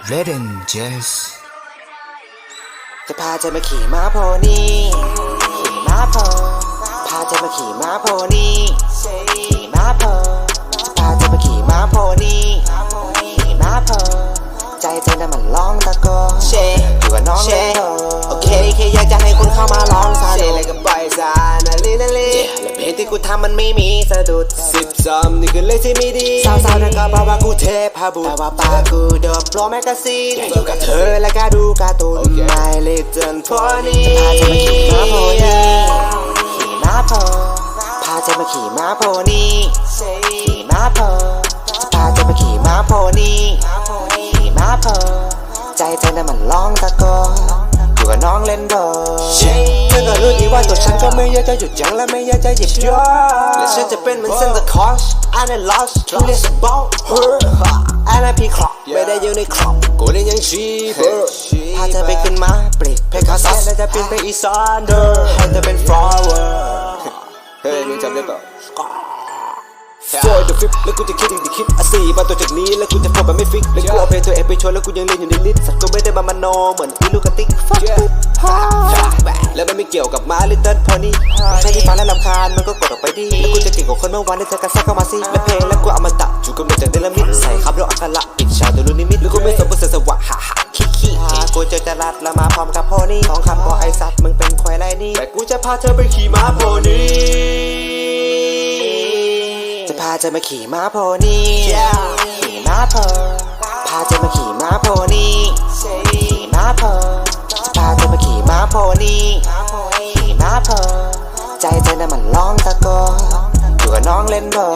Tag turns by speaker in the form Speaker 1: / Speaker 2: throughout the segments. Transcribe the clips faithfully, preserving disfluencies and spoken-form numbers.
Speaker 1: Red and Jazz
Speaker 2: จะพาเธอมาขี่ม้าโพนี่ขี่ม้าโพพาเธอมาขี่ม้าโพนี่ขี่ม้าโพจะพาเธอมาขี่ม้าโพนี่ขี่ม้าโพใจเธอน่ะมันร้องตะโกนเชอยู่กับน้องเลยโอเคแค่อยากจะให้คุณเข้ามาร้องซาเชเลยก็ปล่อยซานาลีนาลีและเพลงที่กูทำมันไม่มีสะดุดสิบสามนี่คือเลขที่ไม่ดีสาวๆนั่นก็บอกว่ากูเทพบุตรแต่ว่าปากกูโดนโปรแมกกาซีนอยู่กับเธอและก็ดูการ์ตูนMy Little Pony พาเธอมาขี่ม้าโพนี่ขี่ม้าโพจะพาเธอมาขี่ม้าโพนี่ขี่ม้าโพใจเธอน่ะมันร้องตะโกนอยู่กับน้องเล่นโดเธอก็รู้ดีว่าตัวฉันก็ไม่อยากจะหยุดยั้งและไม่อยากจะหยิบยอและฉันจะเป็นเหมือนเซนต์คลอส I'm a lost to this about her I'm a peacock ไม่ได้อยู่ในครอบกูเล่นยังชีเบอร์พาเธอไปขึ้นม้าปลิดเพคาซัสและจะบินไปอีสานเดอร์ให้เธอเป็นฟลาวเวอร์เฮ้ยมึงจำได้เปล่าFor the flip แล้วกูจะคิดอีกทีคิดอ่ะสี่มาตัวจากนี้แล้วกูจะโฟแบบไม่ฟิกแล้วกูเอาเพลงตัวเองไปโชว์แล้วกูยังเล่นอยู่ในลิสต์สัตว์กูไม่ได้มามโนเหมือนอีลูกกระติ๊กแล้วมันไม่เกี่ยวกับม้า Little Pony แค่ที่ฟังแล้วรำคาญมันก็กดออกไปดิแล้วกูจะเก่งกว่าคนเมื่อวานที่เธอกระซักเข้ามาสิและเพลงแล้วกูเอามาตัดจูกำเนิดจากเดลมิดใส่คำแล้วอักขระปิดฉากโดยรู้นิมิตแล้วกูไม่สมบูรณ์เสียสวะฮ่าฮ่าขี้ขี้กูเจอจรัสแล้วมาพร้อมกับโพนี่สองคำก็ไอสัตว์มึงเป็นควายไรนี่แต่กูจะพาเธอไปขี่ม้าโพนี่จะพาเธอมาขี่ม้าโพนี่ขี่ม้าโพพาเธอมาขี่ม้าโพนี่ขี่ม้าโพจะพาเธอมาขี่ม้าโพนี่ขี่ม้าโพใจเธอน่ะมันร้องตะโกนอยู่กับน้องเล่นโบ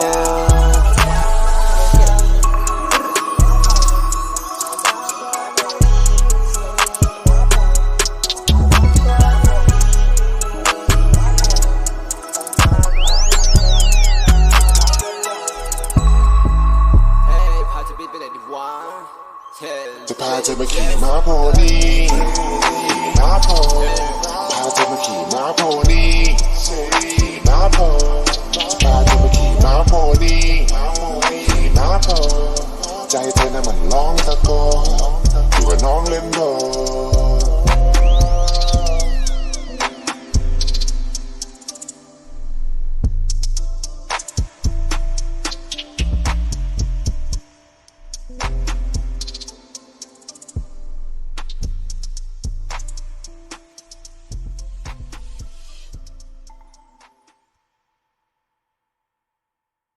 Speaker 3: จะพาเธอมาขี่ม้าโพนี่ขี่ม้าโพพาเธอมาขี่ม้าโพนี่ขี่ม้าโพจะพาเธอมาขี่ม้าโพนี่